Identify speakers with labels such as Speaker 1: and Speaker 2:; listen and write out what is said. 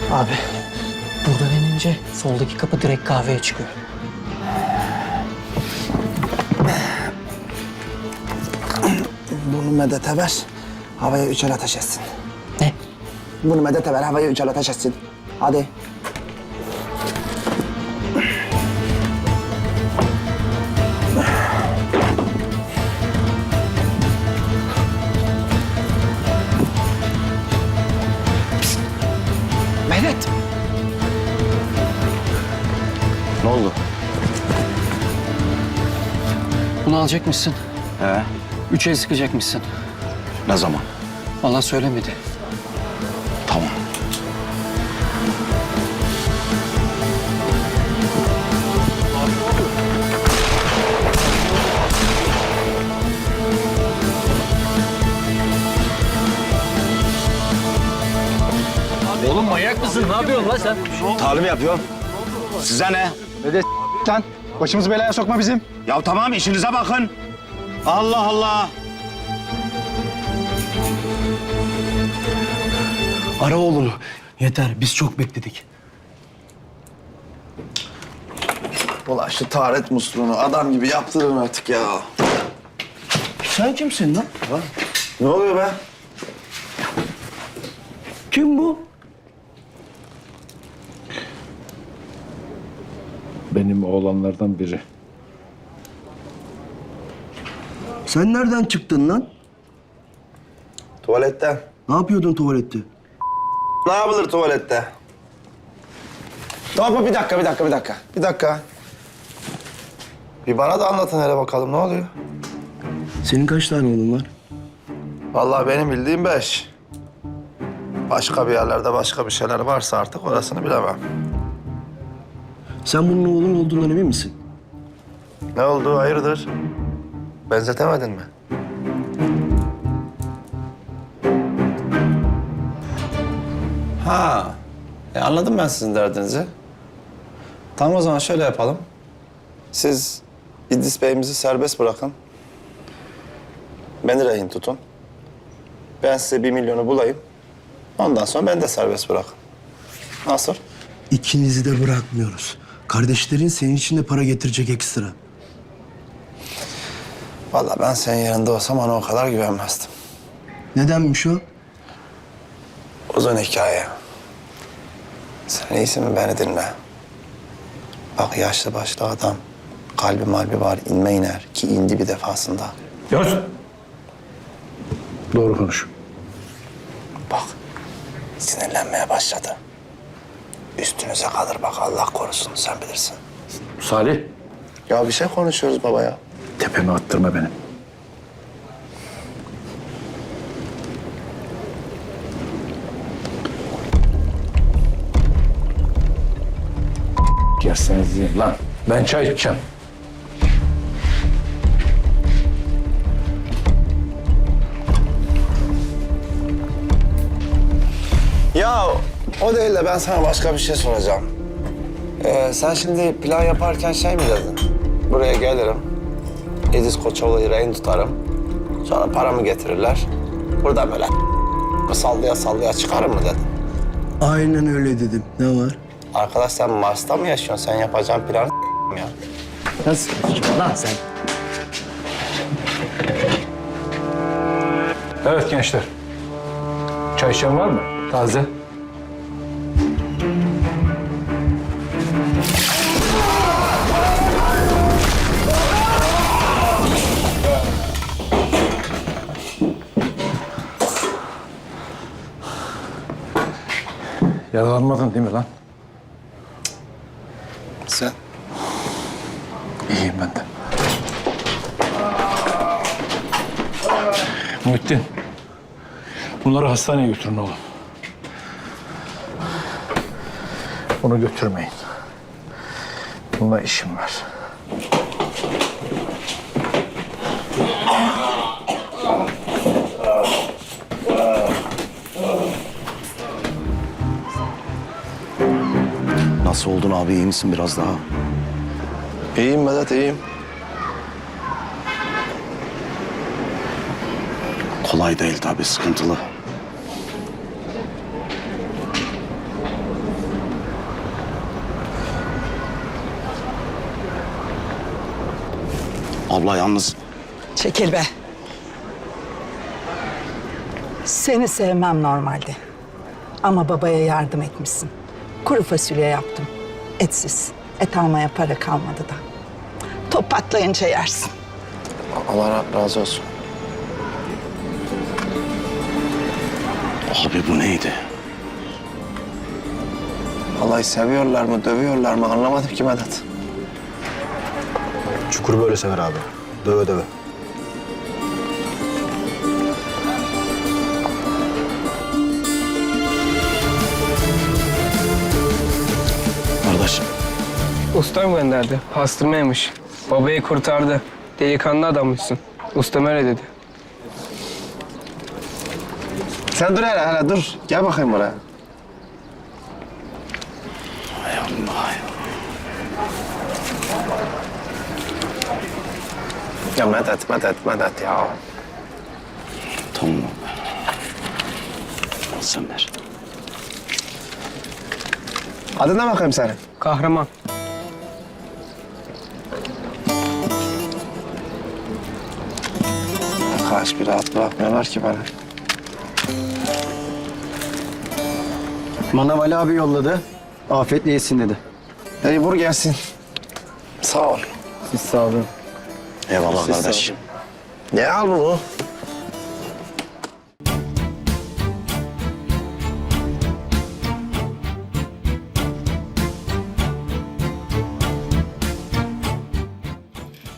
Speaker 1: Abi buradan inince soldaki kapı direkt kahveye çıkıyor.
Speaker 2: Bunu Medet'e ver. Havaya 3 el ateş etsin.
Speaker 1: Ne?
Speaker 2: Bunu Medet'e ver. Havaya 3 el ateş etsin. Hadi. Medet.
Speaker 3: Ne oldu?
Speaker 1: Bunu alacakmışsın.
Speaker 3: He?
Speaker 1: 3 el sıkacakmışsın.
Speaker 3: Ne zaman?
Speaker 1: Allah söylemedi.
Speaker 3: Tamam.
Speaker 4: Oğlum manyak mısın? Ne yapıyorsun lan sen?
Speaker 3: Talim yapıyorum. Size ne?
Speaker 5: Dede lan. Başımızı belaya sokma bizim.
Speaker 3: Ya tamam işinize bakın. Allah Allah.
Speaker 2: Ara oğlunu. Yeter. Biz çok bekledik.
Speaker 6: Ulan şu taharet musluğunu adam gibi yaptırın artık ya.
Speaker 2: Sen kimsin lan?
Speaker 6: Ne oluyor be?
Speaker 2: Kim bu?
Speaker 5: Benim oğlanlardan biri.
Speaker 2: Sen nereden çıktın lan?
Speaker 6: Tuvaletten.
Speaker 2: Ne yapıyordun tuvalette?
Speaker 6: Ne yapılır tuvalette? Tamam bir dakika. Bir dakika. Bir bana da anlatın hele bakalım ne oluyor?
Speaker 2: Senin kaç tane oğlun var?
Speaker 6: Vallahi benim bildiğim 5. Başka bir yerlerde başka bir şeyler varsa artık orasını bilemem.
Speaker 2: Sen bunun oğlun olduğundan emin misin?
Speaker 6: Ne oldu hayırdır? Benzetemedin mi? Ha, anladım ben sizin derdinizi. Tamam o zaman şöyle yapalım. Siz İdris Bey'imizi serbest bırakın. Beni rehin tutun. Ben size 1 milyonu bulayım. Ondan sonra beni de serbest bırakın. Nasıl?
Speaker 2: İkinizi de bırakmıyoruz. Kardeşlerin senin için de para getirecek ekstra.
Speaker 6: Vallahi ben senin yerinde olsam ona o kadar güvenmezdim.
Speaker 2: Nedenmiş o?
Speaker 6: Uzun hikaye. Sen iyisin mi beni dinle. Bak yaşlı başlı adam. Kalbi malbi var inme iner ki indi bir defasında.
Speaker 5: Yunus. Doğru konuş.
Speaker 6: Bak sinirlenmeye başladı. Üstünüze kalır bak Allah korusun sen bilirsin.
Speaker 5: Salih.
Speaker 6: Ya bir şey konuşuyoruz baba ya.
Speaker 5: Tepeme attırma benim. Yerseniz yiyin lan. Ben çay içeceğim.
Speaker 6: Ya o değil de ben sana başka bir şey soracağım. Sen şimdi plan yaparken şey mi dedin? Buraya gelirim. İdris Koçoğlu'yu rehin tutarım. Sonra paramı getirirler. Burada böyle sallaya sallaya çıkarım mı dedin?
Speaker 2: Aynen öyle dedim. Ne var?
Speaker 6: Arkadaş sen Mars'ta mı yaşıyorsun? Sen yapacağın planı ya.
Speaker 2: Nasıl konuşuyorsun lan sen?
Speaker 5: Evet gençler. Çay içen var mı? Taze. Yaralanmadın değil mi lan?
Speaker 6: Sen?
Speaker 5: İyiyim ben de. Muhittin. Bunları hastaneye götürün oğlum. Bunu götürmeyin. Bununla işim var.
Speaker 3: Nasıl oldun abi iyi misin biraz daha?
Speaker 6: İyiyim Vedat, iyiyim.
Speaker 3: Kolay değil tabii sıkıntılı. Abla yalnız
Speaker 7: Çekil be. Seni sevmem normalde. Ama babaya yardım etmişsin. Kuru fasulye yaptım. Etsiz. Et almaya para kalmadı da. Top patlayınca yersin.
Speaker 6: Allah razı olsun.
Speaker 3: abi bu neydi?
Speaker 6: Vallahi seviyorlar mı, dövüyorlar mı anlamadım ki Vedat.
Speaker 2: Çukur böyle sever abi. Döve döve.
Speaker 3: Kardeşim
Speaker 8: Ustam gönderdi. Pastırmaymış. Babayı kurtardı. Delikanlı adammışsın. Ustam öyle dedi.
Speaker 6: Sen dur hele dur. Gel bakayım buraya.
Speaker 3: hay Allah ya.
Speaker 6: Ya Medet ya.
Speaker 3: Tamam abi. Al sen ver.
Speaker 6: Adın ne bakayım senin?
Speaker 8: Kahraman.
Speaker 6: Arkadaş bir rahat bırakmıyorlar ki beni.
Speaker 9: Manav Ali abi yolladı. Afiyetle yesin dedi.
Speaker 6: Hadi vur gelsin. Sağ ol.
Speaker 9: Siz sağ olun.
Speaker 3: Eyvallah kardeşim.
Speaker 6: Ne al bunu?